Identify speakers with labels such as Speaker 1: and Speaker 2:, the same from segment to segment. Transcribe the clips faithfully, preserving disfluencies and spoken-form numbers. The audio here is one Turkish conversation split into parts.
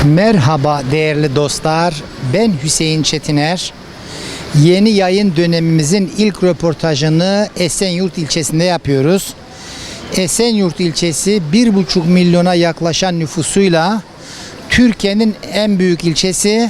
Speaker 1: Merhaba değerli dostlar, ben Hüseyin Çetiner. Yeni yayın dönemimizin ilk röportajını Esenyurt ilçesinde yapıyoruz. Esenyurt ilçesi bir buçuk milyona yaklaşan nüfusuyla Türkiye'nin en büyük ilçesi,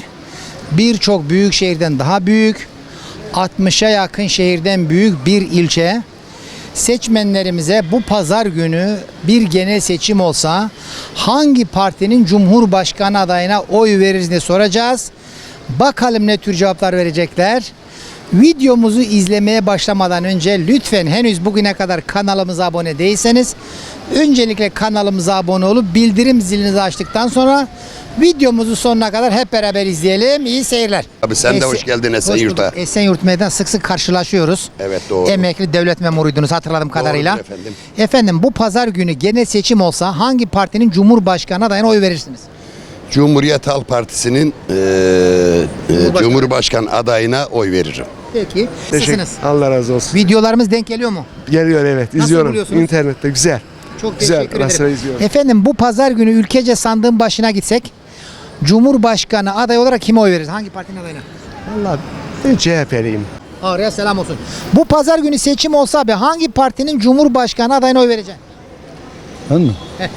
Speaker 1: birçok büyük şehirden daha büyük, altmışa yakın şehirden büyük bir ilçe. Seçmenlerimize bu pazar günü bir genel seçim olsa hangi partinin cumhurbaşkanı adayına oy veririz diye soracağız. Bakalım ne tür cevaplar verecekler. Videomuzu izlemeye başlamadan önce lütfen henüz bugüne kadar kanalımıza abone değilseniz öncelikle kanalımıza abone olup bildirim zilinizi açtıktan sonra videomuzu sonuna kadar hep beraber izleyelim. İyi seyirler.
Speaker 2: Abi sen de
Speaker 1: Esen-
Speaker 2: hoş geldin
Speaker 1: Hoş
Speaker 2: Esenyurt'a.
Speaker 1: bulduk. Esenyurt meydan sık sık karşılaşıyoruz.
Speaker 2: Evet, doğru.
Speaker 1: Emekli devlet memuruydunuz hatırladığım kadarıyla.
Speaker 2: efendim.
Speaker 1: Efendim bu pazar günü genel seçim olsa hangi partinin cumhurbaşkanı adayına oy verirsiniz?
Speaker 2: Cumhuriyet Halk Partisi'nin eee, eee,
Speaker 1: Cumhurbaşkanı.
Speaker 2: Cumhurbaşkanı adayına oy veririm.
Speaker 1: Peki.
Speaker 3: Teşekkür.
Speaker 1: Nasılsınız?
Speaker 3: Allah razı olsun.
Speaker 1: Videolarımız denk geliyor mu?
Speaker 3: Geliyor evet.
Speaker 1: Nasıl
Speaker 3: İzliyorum.
Speaker 1: buluyorsunuz?
Speaker 3: İnternette güzel.
Speaker 1: Çok
Speaker 3: Güzel,
Speaker 1: teşekkür
Speaker 3: ara sıra
Speaker 1: ederim.
Speaker 3: izliyorum.
Speaker 1: Efendim bu pazar günü ülkece sandığın başına gitsek Cumhurbaşkanı aday olarak kime oy veririz? Hangi partinin adayına?
Speaker 3: Vallahi ben C H P'liyim.
Speaker 1: Ağrı'ya selam olsun. Bu pazar günü seçim olsa abi hangi partinin Cumhurbaşkanı adayına oy vereceksin?
Speaker 4: Ben mi?
Speaker 1: Heh.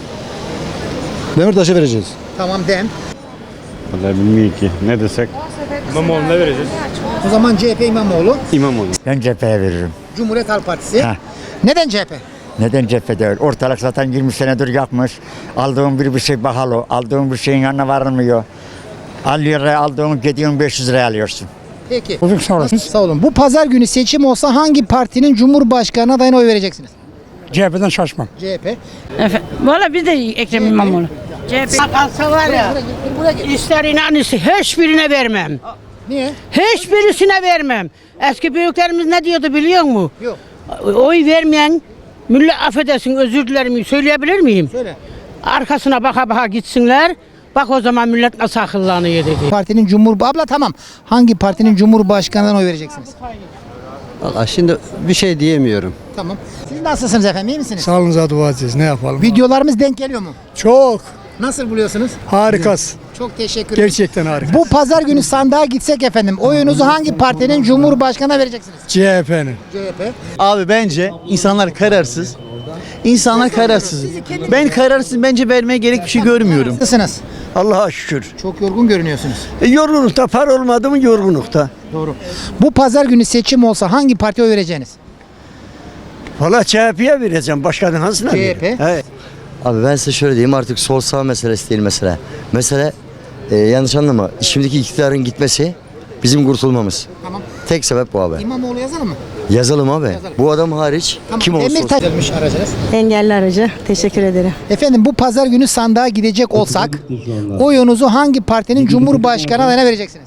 Speaker 4: Demirtaş'a vereceğiz.
Speaker 1: Tamam dem.
Speaker 5: Vallahi bilmiyorum ki. Ne desek? İmamoğlu'na vereceğiz.
Speaker 1: O zaman C H P İmamoğlu,
Speaker 5: İmamoğlu.
Speaker 6: Ben cepheye veririm.
Speaker 1: Cumhuriyet Halk Partisi.
Speaker 6: Heh.
Speaker 1: Neden C H P?
Speaker 6: Neden cephe değil? Ortalık zaten yirmi senedir yakmış. Aldığın bir bir şey pahalı. Aldığın bir şeyin yanına varılmıyor. elli liraya aldığın gidiyorsun beş yüz liraya alıyorsun.
Speaker 1: Peki.
Speaker 6: Bugün sağ olasın.
Speaker 1: Sağ olun. Bu pazar günü seçim olsa hangi partinin Cumhurbaşkanı adayına oy vereceksiniz?
Speaker 4: C H P'den şaşmam.
Speaker 1: C H P.
Speaker 7: Efe, Valla biz de Ekrem İmamoğlu. C H P kalsa var ya, ister inan ister hiçbirine vermem.
Speaker 1: Niye?
Speaker 7: Hiçbirisine vermem. Eski büyüklerimiz ne diyordu biliyor musun?
Speaker 1: Yok.
Speaker 7: Oy vermeyen, millet affedersin özür dilerim söyleyebilir miyim?
Speaker 1: Söyle.
Speaker 7: Arkasına baka baka gitsinler. Bak o zaman millet nasıl akıllanıyor dedi.
Speaker 1: Partinin Cumhur abla tamam. Hangi partinin Cumhurbaşkanı'na oy vereceksiniz?
Speaker 8: Valla şimdi bir şey diyemiyorum.
Speaker 1: Tamam. Siz nasılsınız efendim? İyi misiniz?
Speaker 3: Sağlığınıza dua edeceğiz. Ne yapalım?
Speaker 1: Videolarımız denk geliyor mu?
Speaker 3: Çok
Speaker 1: Nasıl buluyorsunuz?
Speaker 3: harikasın.
Speaker 1: Çok teşekkür ederim.
Speaker 3: Gerçekten harika.
Speaker 1: Bu pazar günü sandığa gitsek efendim oyunuzu hangi partinin Cumhurbaşkanı'na vereceksiniz?
Speaker 3: C H P'nin.
Speaker 1: C H P.
Speaker 8: Abi bence insanlar kararsız. İnsanlar kararsız. Ben kararsız bence vermeye gerek bir şey görmüyorum.
Speaker 1: Nasılsınız?
Speaker 8: Allah'a şükür.
Speaker 1: Çok yorgun görünüyorsunuz.
Speaker 8: E, yorgunlukta para olmadı mı yorgunlukta.
Speaker 1: Doğru. Bu pazar günü seçim olsa hangi partiye oy vereceğiniz?
Speaker 8: Valla C H P'ye vereceğim. Başkanın hangisine
Speaker 1: C H P.
Speaker 8: vereyim? Evet.
Speaker 9: Abi ben size şöyle diyeyim, artık sol sağ meselesi değil mesele. Mesele e, yanlış anlama, şimdiki iktidarın gitmesi bizim kurtulmamız.
Speaker 1: Tamam.
Speaker 9: Tek sebep bu abi.
Speaker 1: İmamoğlu yazalım mı?
Speaker 9: Yazalım abi.
Speaker 1: Yazalım.
Speaker 9: Bu adam hariç
Speaker 1: Tamam.
Speaker 9: kim olursa olsun.
Speaker 1: Demirtaş gelmiş aracınız.
Speaker 10: Engelli aracı. Teşekkür ederim.
Speaker 1: Efendim bu pazar günü sandığa gidecek olsak oyunuzu hangi partinin Cumhurbaşkanı adayına vereceksiniz?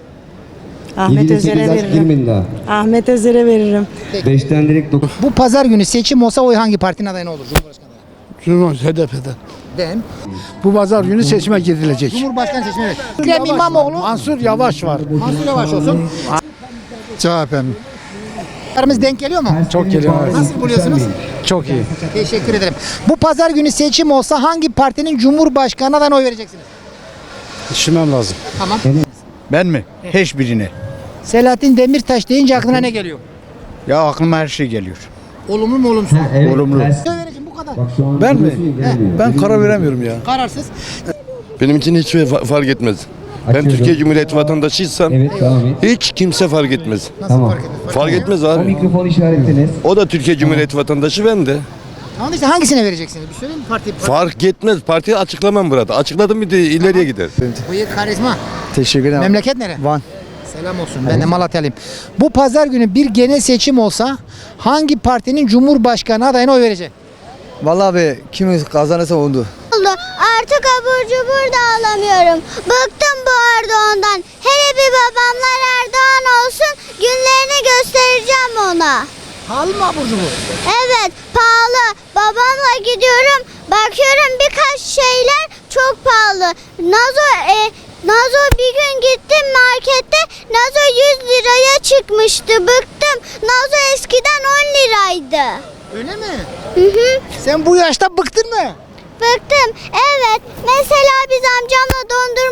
Speaker 10: Ahmet Özer'e veririm. Ahmet Özer'e veririm.
Speaker 4: beşten direkt dokuz.
Speaker 1: Bu pazar günü seçim olsa oy hangi partinin adayına olur? Cumhurbaşkanı adayına.
Speaker 3: H D P'den.
Speaker 1: Dem.
Speaker 3: Bu pazar günü seçime gidilecek.
Speaker 1: Cumhurbaşkanı seçimi evet. Ekrem İmamoğlu.
Speaker 3: Mansur Yavaş var.
Speaker 1: Mansur Yavaş olsun.
Speaker 3: C H P'nin.
Speaker 1: Aramız denk geliyor mu?
Speaker 3: Çok geliyor.
Speaker 1: Nasıl buluyorsunuz?
Speaker 3: Çok iyi.
Speaker 1: Teşekkür ederim. Bu pazar günü seçim olsa hangi partinin Cumhurbaşkanı adayına oy vereceksiniz?
Speaker 4: Düşünmem lazım.
Speaker 1: Tamam.
Speaker 4: Ben mi? Hiçbirine.
Speaker 1: Selahattin Demirtaş deyince aklına ne geliyor?
Speaker 4: Ya aklıma her şey geliyor.
Speaker 1: Olumlu mu olumsuz?
Speaker 4: Olumlu.
Speaker 1: Oy vereceğim bu kadar.
Speaker 3: Ben mi? Ben karar veremiyorum ya.
Speaker 1: Kararsız.
Speaker 2: Benim için hiç fa- fark etmez. Ben Türkiye Cumhuriyeti vatandaşıysam hiç kimse fark etmez.
Speaker 1: Nasıl fark etmez?
Speaker 2: Fark etmez abi.
Speaker 4: Mikrofon işaretiniz.
Speaker 2: O da Türkiye Cumhuriyeti vatandaşı, ben de.
Speaker 1: Tamam işte hangisine vereceksiniz? Bir söyleyeyim mi parti? parti.
Speaker 2: Fark etmez. Partiyi açıklamam burada. Açıkladım bir de ileriye gider.
Speaker 1: Bıyık karizma.
Speaker 8: Teşekkür ederim.
Speaker 1: Memleket nere?
Speaker 8: Van.
Speaker 1: Selam olsun. Ben de Malatyalıyım. Bu pazar günü bir genel seçim olsa hangi partinin Cumhurbaşkanı adayına oy verecek?
Speaker 8: Valla abi kim kazanırsa oldu.
Speaker 11: oldu. Artık abur cubur da alamıyorum. Bıktım bu Erdoğan'dan. Hele bir babamlar Erdoğan olsun, günlerini göstereceğim ona.
Speaker 1: Pahalı mı abur cubur?
Speaker 11: Evet, pahalı. Babamla gidiyorum, bakıyorum birkaç şeyler çok pahalı. Nazo e, Nazo bir gün gittim markette, Nazo yüz liraya çıkmıştı. Bıktım. Nazo eskiden on liraydı.
Speaker 1: Öyle mi?
Speaker 11: Hı hı.
Speaker 1: Sen bu yaşta bıktın mı?
Speaker 11: Bıktım. Evet. Mesela biz amcamla dondurma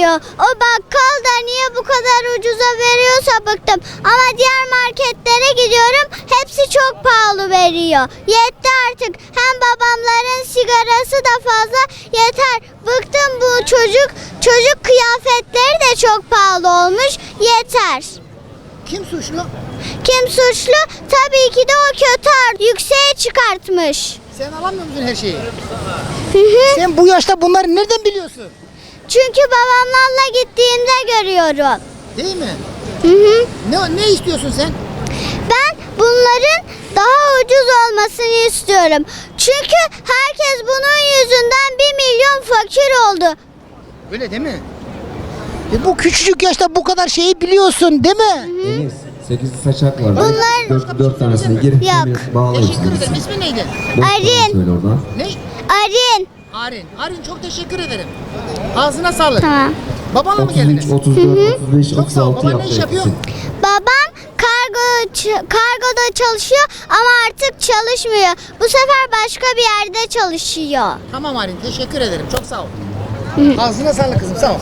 Speaker 11: veriyor. O bakkal da niye bu kadar ucuza veriyorsa bıktım. Ama diğer marketlere gidiyorum, hepsi çok pahalı veriyor. Yetti artık. Hem babamların sigarası da fazla, yeter. Bıktım bu çocuk. Çocuk kıyafetleri de çok pahalı olmuş. Yeter.
Speaker 1: Kim suçlu?
Speaker 11: Kim suçlu? Tabii ki de o kötü art yükseğe çıkartmış.
Speaker 1: Sen alamıyor musun her şeyi?
Speaker 11: Hı hı.
Speaker 1: Sen bu yaşta bunları nereden biliyorsun?
Speaker 11: Çünkü babamlarla gittiğimde görüyorum.
Speaker 1: Değil mi?
Speaker 11: Hı hı.
Speaker 1: Ne, ne istiyorsun sen?
Speaker 11: Ben bunların daha ucuz olmasını istiyorum. Çünkü herkes bunun yüzünden bir milyon fakir oldu.
Speaker 1: Öyle değil mi? E bu küçücük yaşta bu kadar şeyi biliyorsun değil mi?
Speaker 12: Deniz, sekiz saçak var.
Speaker 11: Bunlar-
Speaker 12: dört, dört tanesini girip
Speaker 11: Yok.
Speaker 12: bir bağlayın.
Speaker 1: Teşekkür ederim. İsmi neydi?
Speaker 11: Arin.
Speaker 12: Söyle oradan.
Speaker 1: Ne?
Speaker 11: Arin.
Speaker 1: Arin. Arin çok teşekkür ederim. Ağzına sağlık.
Speaker 11: Tamam.
Speaker 1: Babanla mı
Speaker 12: otuz üç,
Speaker 1: geldiniz?
Speaker 12: otuz dört, otuz beş,
Speaker 1: Çok
Speaker 12: otuz
Speaker 1: sağ ol.
Speaker 12: altı
Speaker 1: Baban ne
Speaker 12: yaptı.
Speaker 1: iş yapıyor?
Speaker 12: hepsi.
Speaker 11: Babam kargo ç- kargoda çalışıyor ama artık çalışmıyor. Bu sefer başka bir yerde çalışıyor.
Speaker 1: Tamam Arin teşekkür ederim. Çok sağ ol. Ağzına sağlık kızım sağ ol.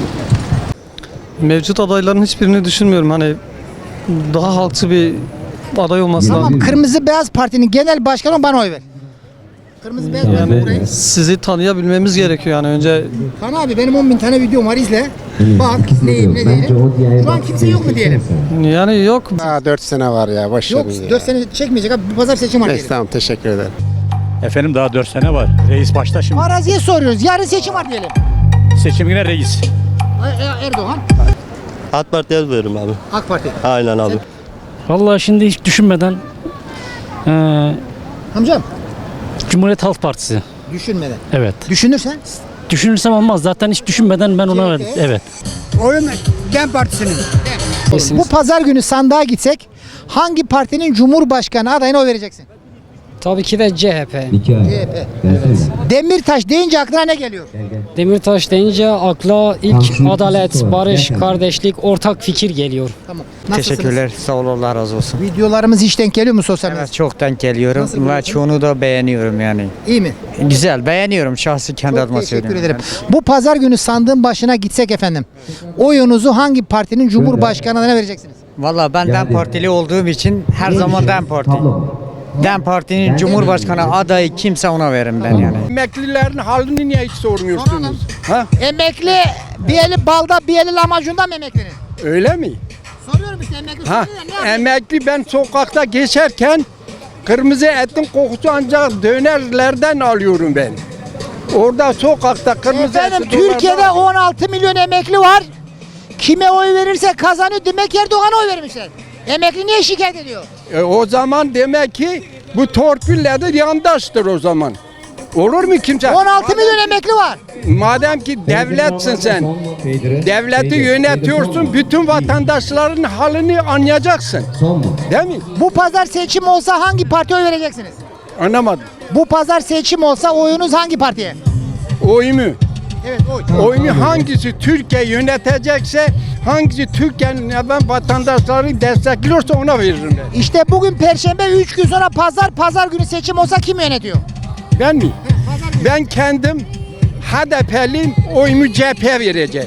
Speaker 3: Mevcut adayların hiçbirini düşünmüyorum. Hani daha halkçı bir aday olması
Speaker 1: Tamam Kırmızı Beyaz Parti'nin genel başkanı bana oy ver. Kırmızı Beyaz Parti burayı.
Speaker 3: Sizi tanıyabilmemiz gerekiyor yani önce.
Speaker 1: Kan abi benim on bin tane videom var izle. Bak neyim ne
Speaker 12: Bence
Speaker 1: değilim.
Speaker 12: o diğer
Speaker 1: Şu an kimse yok mu diyelim?
Speaker 3: Yani yok.
Speaker 4: Daha dört sene var ya. Boş
Speaker 1: Yok dört sene çekmeyecek abi. Bu pazar seçim var diyelim.
Speaker 4: Tamam teşekkür ederim.
Speaker 5: Efendim daha dört sene var. Reis başta şimdi.
Speaker 1: Araziye soruyoruz. Yarın seçim var diyelim.
Speaker 5: Seçim yine reis.
Speaker 1: E- E- Erdoğan.
Speaker 9: AK Parti'ye veririm abi.
Speaker 1: AK Parti.
Speaker 9: Aynen abi.
Speaker 13: Vallahi şimdi hiç düşünmeden eee
Speaker 1: Amcam
Speaker 13: Cumhuriyet Halk Partisi.
Speaker 1: düşünmeden.
Speaker 13: Evet.
Speaker 1: Düşünürsen
Speaker 13: Düşünürsem olmaz. Zaten hiç düşünmeden ben ona verdim. Evet.
Speaker 4: Oyun Dem Partisi'nin.
Speaker 1: bu pazar günü sandığa gitsek hangi partinin cumhurbaşkanı adayına oy vereceksin?
Speaker 13: Tabii ki de C H P.
Speaker 12: İki ay.
Speaker 1: C H P.
Speaker 12: Versene.
Speaker 1: Demirtaş deyince aklına ne geliyor?
Speaker 13: Demirtaş deyince akla ilk
Speaker 12: Tansiyon
Speaker 13: adalet,
Speaker 12: var.
Speaker 13: barış,
Speaker 12: Gel.
Speaker 13: kardeşlik, ortak fikir geliyor.
Speaker 1: Tamam. Nasılsınız?
Speaker 4: Teşekkürler. Sağ ol Allah razı olsun.
Speaker 1: Videolarımız hiç denk geliyor mu sosyal medyada?
Speaker 4: Evet çok denk geliyorum
Speaker 1: Nasıl
Speaker 4: ve
Speaker 1: buluyorsun?
Speaker 4: çoğunu da beğeniyorum yani.
Speaker 1: İyi mi?
Speaker 4: Güzel beğeniyorum şahsi kendi
Speaker 1: Çok
Speaker 4: adıma
Speaker 1: teşekkür
Speaker 4: söylüyorum.
Speaker 1: ederim. Bu pazar günü sandığın başına gitsek efendim. Oyunuzu hangi partinin cumhurbaşkanı adayına vereceksiniz?
Speaker 4: Valla ben
Speaker 12: Geldi.
Speaker 4: Dem Partili olduğum için her zaman Dem Parti.
Speaker 12: Tablo.
Speaker 4: Dem Parti'nin Cumhurbaşkanı adayı kimse ona veririm ben yani.
Speaker 3: Emeklilerin halini niye hiç sormuyorsunuz? Ha?
Speaker 1: Emekli bir eli balda bir eli lahmacunda mı emeklinin?
Speaker 3: Öyle mi?
Speaker 1: Soruyorum işte emekli.
Speaker 3: Ha,
Speaker 1: soruyor ya, ne yapayım?
Speaker 3: emekli ben sokakta geçerken kırmızı etin kokusu ancak dönerlerden alıyorum ben. Orada sokakta kırmızı
Speaker 1: Efendim
Speaker 3: eti
Speaker 1: Türkiye'de
Speaker 3: dolardan-
Speaker 1: on altı milyon emekli var. Kime oy verirse kazanıyor. Demek Erdoğan'a oy vermişler. Emekli niye şikayet ediyor?
Speaker 3: E, o zaman demek ki bu torpille de yandaştır o zaman. Olur mu kimse?
Speaker 1: on altı milyon emekli var.
Speaker 3: Madem ki devletsin sen, devleti yönetiyorsun, bütün vatandaşların halini anlayacaksın.
Speaker 12: Son mu?
Speaker 3: Değil mi?
Speaker 1: Bu pazar seçim olsa hangi partiye oy vereceksiniz?
Speaker 3: Anlamadım.
Speaker 1: Bu pazar seçim olsa oyunuz hangi partiye?
Speaker 3: Oyumu.
Speaker 1: Evet oy.
Speaker 3: Oyumu hangisi Türkiye yönetecekse, hangisi Türkiye'nin ben vatandaşları destekliyorsa ona veririm ben.
Speaker 1: İşte bugün Perşembe üç gün sonra pazar, pazar günü seçim olsa kim yönetiyor?
Speaker 3: Ben mi? Ben kendim H D P'liyim, oyumu C H P'ye vereceğim.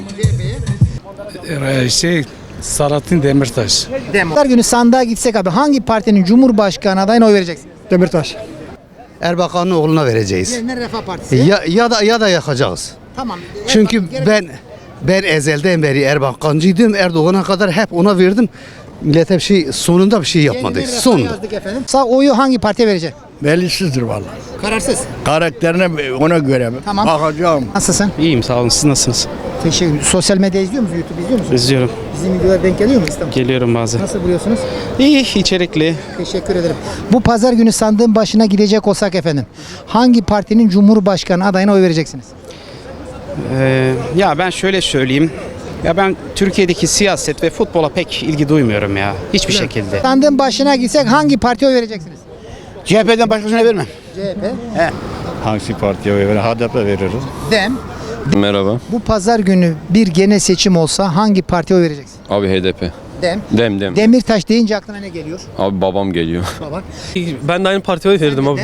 Speaker 5: Şey, Selahattin Demirtaş.
Speaker 1: Pazar günü sandığa gitsek abi hangi partinin cumhurbaşkanı adayına oy vereceksin?
Speaker 4: Demirtaş. Erbakan'ın oğluna vereceğiz.
Speaker 1: Yeniden Refah Partisi.
Speaker 4: Ya, ya da ya da yakacağız.
Speaker 1: Tamam.
Speaker 4: Çünkü
Speaker 1: Gerek-
Speaker 4: ben ben ezelden beri Erbakan'cıydım. Erdoğan'a kadar hep ona verdim. Millete bir şey sonunda bir şey yapmadı.
Speaker 1: Yeniden Refah
Speaker 4: Sonunda.
Speaker 1: yazdık efendim. Sağ oyu hangi partiye vereceksin?
Speaker 4: Belisizdir vallahi.
Speaker 1: Kararsız.
Speaker 4: Karakterine ona göre
Speaker 1: Tamam.
Speaker 4: bakacağım.
Speaker 1: Nasılsın?
Speaker 5: İyiyim sağ olun. Siz nasılsınız?
Speaker 1: Teşekkür ederim. Sosyal medya izliyor musun? YouTube izliyor musun?
Speaker 5: İzliyorum.
Speaker 1: Bizim videolar denk geliyor mu İstanbul?
Speaker 5: Geliyorum bazen.
Speaker 1: Nasıl buluyorsunuz?
Speaker 5: İyi, içerikli.
Speaker 1: Teşekkür ederim. Bu pazar günü sandığın başına gidecek olsak efendim. Hangi partinin cumhurbaşkanı adayına oy vereceksiniz?
Speaker 5: Ee, ya ben şöyle söyleyeyim. Ya ben Türkiye'deki siyaset ve futbola pek ilgi duymuyorum ya. Hiçbir şekilde.
Speaker 1: Sandığın başına gitsek hangi partiye oy vereceksiniz?
Speaker 4: C H P'den başkasına vermem.
Speaker 1: C H P.
Speaker 5: Hangi partiye oy verir? H D P veririz.
Speaker 1: Dem.
Speaker 2: Merhaba.
Speaker 1: Bu pazar günü bir genel seçim olsa hangi partiye oy vereceksin?
Speaker 2: Abi H D P.
Speaker 1: Dem.
Speaker 2: Dem dem.
Speaker 1: Demirtaş deyince aklına ne geliyor?
Speaker 2: Abi babam geliyor.
Speaker 1: Baba.
Speaker 3: Ben de aynı partiye oy verdim abi.
Speaker 1: Dem.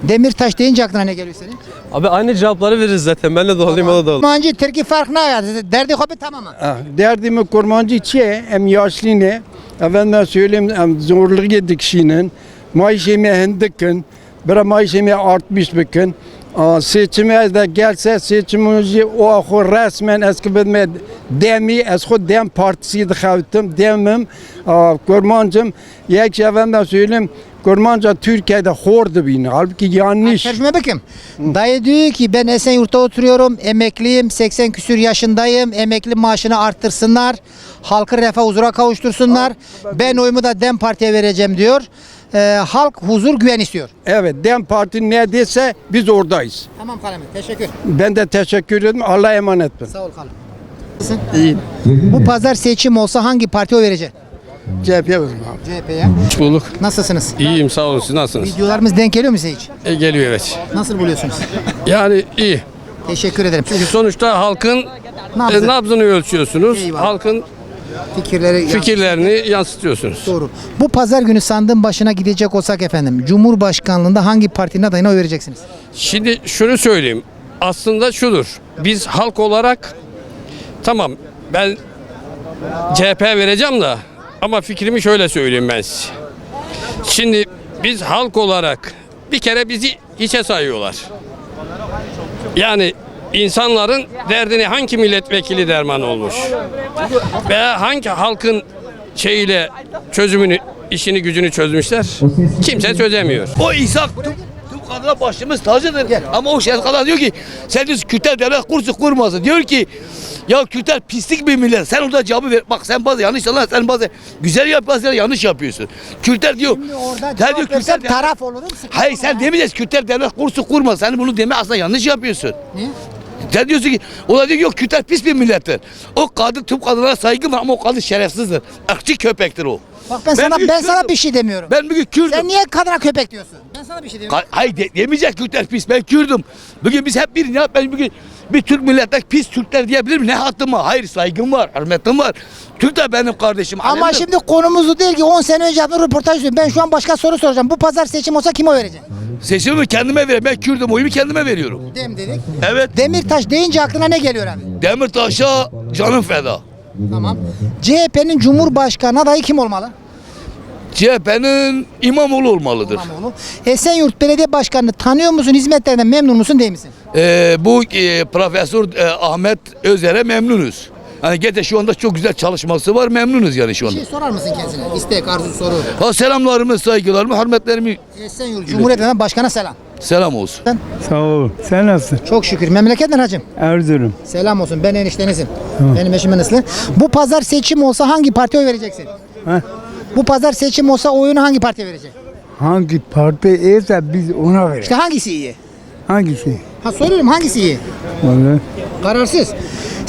Speaker 1: Demirtaş deyince aklına ne geliyor senin?
Speaker 14: Abi aynı cevapları veririz zaten. Ben de doğruyum, o da doğru.
Speaker 1: Kurmancı Türkiye fark ne ya? Derdi hobi tamam mı?
Speaker 3: Ah, Derdimi kurmancı çi hem yaşlı ne? Efendim söyleyeyim hem zorluk yedik kişinin. Maaşımı hindikin. Bir maaşımı artmış bakın. Seçime de gelse seçimimizi o ahı resmen eski bilme demi eski dem partisi de xavtım demim kurmancım yek efendim söyleyeyim kurmanca Türkiye'de hordu bini halbuki yanlış.
Speaker 1: Tercüme bakayım. Dayı diyor ki ben Esenyurt'ta oturuyorum, emekliyim, seksen küsür yaşındayım, emekli maaşını arttırsınlar, halkı refah huzura kavuştursunlar, ben oyumu da Dem Parti'ye vereceğim diyor. Ee, halk huzur güven istiyor.
Speaker 3: Evet, Dem Parti ne dese biz oradayız.
Speaker 1: Tamam Kalemi, teşekkür.
Speaker 3: Ben de teşekkür ederim. Allah'a emanet olun.
Speaker 1: Sağ ol Kalem. İyi. Bu pazar seçim olsa hangi partiye oy vereceksin?
Speaker 3: C H P'ye veririm abi.
Speaker 1: C H P'ye.
Speaker 14: Hoş bulduk.
Speaker 1: Nasılsınız?
Speaker 14: İyiyim, sağ olun. Siz nasılsınız?
Speaker 1: Videolarımız denk geliyor mu size hiç?
Speaker 14: E, geliyor evet.
Speaker 1: Nasıl buluyorsunuz?
Speaker 14: Yani iyi.
Speaker 1: Teşekkür ederim.
Speaker 14: Çünkü sonuçta halkın
Speaker 1: Nabzı.
Speaker 14: e, nabzını ölçüyorsunuz.
Speaker 1: Eyvallah.
Speaker 14: Halkın
Speaker 1: Fikirleri
Speaker 14: fikirlerini yansıtıyorsunuz.
Speaker 1: Doğru. Bu pazar günü sandığın başına gidecek olsak efendim, Cumhurbaşkanlığında hangi partinin adayına oy vereceksiniz?
Speaker 14: Şimdi şunu söyleyeyim. Aslında şudur. Biz halk olarak tamam ben C H P'ye vereceğim de ama fikrimi şöyle söyleyeyim ben size. Şimdi biz halk olarak bir kere bizi hiçe sayıyorlar. Yani insanların derdini hangi milletvekili derman olmuş? Veya hangi halkın şeyiyle çözümünü, işini gücünü çözmüşler? Kimse çözemiyor.
Speaker 15: O İsa tüm kadına başımız tacıdır. Ama o şey kadar diyor ki sen diyorsun Kürtler devlet kursu kurmasın. Diyor ki ya Kürtler pislik bir millet. Sen orada cevabı ver. Bak sen bazı yanlış anlar. Sen bazı güzel yapıyorsun, yanlış yapıyorsun. Kürtler diyor. Sen diyor Kürtler
Speaker 1: taraf olurum.
Speaker 15: Hayır sen demeyeceksin Kürtler devlet kursu kurma. Sen bunu deme aslında yanlış yapıyorsun.
Speaker 1: Niye?
Speaker 15: Sen diyorsun ki o da diyor ki yok Kürtler pis bir millettir. O kadın tüm kadınlara saygı var ama o kadın şerefsizdir. Irkçı köpektir o.
Speaker 1: Bak ben,
Speaker 15: Ben
Speaker 1: sana
Speaker 15: bir
Speaker 1: ben sana
Speaker 15: Kürdüm.
Speaker 1: bir şey demiyorum.
Speaker 15: Ben bugün Kürdüm.
Speaker 1: Sen niye kadına köpek diyorsun? Ben sana bir şey demiyorum.
Speaker 15: Hay- Hayır de, demeyecek Kürtler pis. Ben Kürdüm. Bugün biz hep bir ya ben bugün bir Türk milletler pis Türkler diyebilir miyim? Ne hattım var? Hayır saygım var, hürmetim var. Türk de benim kardeşim.
Speaker 1: Ama
Speaker 15: alemdir.
Speaker 1: şimdi konumuzu değil ki on sene önce yaptığım röportaj diyorum. Ben şu an başka soru soracağım. Bu pazar seçim olsa kime oy vereceksin?
Speaker 15: Seçimi kendime veriyorum. Ben Kürdüm. Oyumu kendime veriyorum.
Speaker 1: Dem dedik.
Speaker 15: Evet.
Speaker 1: Demirtaş deyince aklına ne geliyor abi?
Speaker 15: Demirtaş'a canım feda.
Speaker 1: Tamam. C H P'nin Cumhurbaşkanı adayı kim olmalı?
Speaker 15: C H P'nin İmamoğlu olmalıdır.
Speaker 1: İmamoğlu. Esenyurt Belediye Başkanı'nı tanıyor musun? Hizmetlerinden memnun musun değil misin?
Speaker 15: Ee, bu e, Profesör e, Ahmet Özer'e memnunuz. Hani gete şu anda çok güzel çalışması var. Memnunuz yani şu
Speaker 1: Bir
Speaker 15: anda.
Speaker 1: şey sorar mısın kendisine? İstek, arzu, soru.
Speaker 15: Ha, selamlarımı, saygılarımı, hürmetlerimi
Speaker 1: Esenyurt Cumhuriyeti'nden başkana selam.
Speaker 15: selam olsun.
Speaker 3: Sağ ol. Sen nasılsın?
Speaker 1: Çok şükür. Memleketten hacım.
Speaker 3: Erzurum.
Speaker 1: Selam olsun. Ben eniştenizim. Benim eşim Enesli. Bu pazar seçim olsa hangi partiye oy vereceksin?
Speaker 3: Ha?
Speaker 1: Bu pazar seçim olsa oyunu hangi partiye vereceksin?
Speaker 3: Hangi parti iyiyse biz ona veririz.
Speaker 1: İşte hangisi iyi?
Speaker 3: Hangisi?
Speaker 1: Ha soruyorum hangisi iyi?
Speaker 3: Vallahi.
Speaker 1: Kararsız.